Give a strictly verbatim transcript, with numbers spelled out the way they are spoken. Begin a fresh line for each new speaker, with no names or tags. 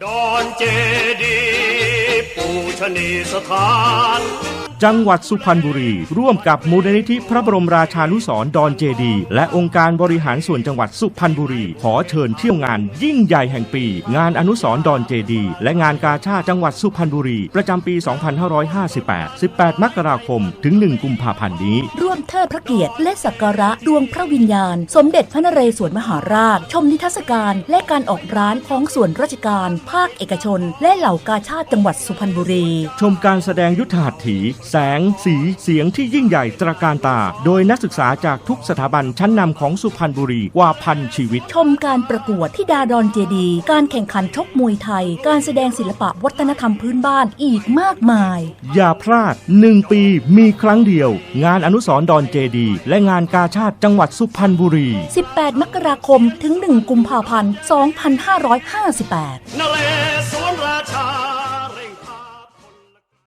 ดอนเจดีย์ปูชนีสถาน
จังหวัดสุพรรณบุรีร่วมกับมูลนิธิพระบรมราชานุสรณ์ดอนเจดีย์และองค์การบริหารส่วนจังหวัดสุพรรณบุรีขอเชิญเที่ยวงานยิ่งใหญ่แห่งปีงานอนุสรณ์ดอนเจดีย์และงานกาชาดจังหวัดสุพรรณบุรีประจำปี สองพันห้าร้อยห้าสิบแปด สิบแปด มกราคมถึง หนึ่ง กุมภาพันธ์นี้
ร่วมเทิดพระเกียรติและสักการะดวงพระวิญญาณสมเด็จพระนเรศวรมหาราชชมนิทรรศการและการออกร้านของส่วนราชการภาคเอกชนและเหล่ากาชาดจังหวัดสุพรรณบุรี
ชมการแสดงยุทธหัตถีแสงสีเสียงที่ยิ่งใหญ่ตระการตาโดยนักศึกษาจากทุกสถาบันชั้นนำของสุพรรณบุรีกว่าพันชีวิต
ชมการประกวดธิดาดอนเจดีย์การแข่งขันชกมวยไทยการแสดงศิลปะวัฒนธรรมพื้นบ้านอีกมากมาย
อย่าพลาดหนึ่งปีมีครั้งเดียวงานอนุสรณ์ดอนเจดีย์และงานกาชาดจังหวัดสุพรรณบุรี
สิบแปด มกราคมถึง หนึ่ง กุมภาพันธ์ สองพันห้าร้อยห้าสิบแปด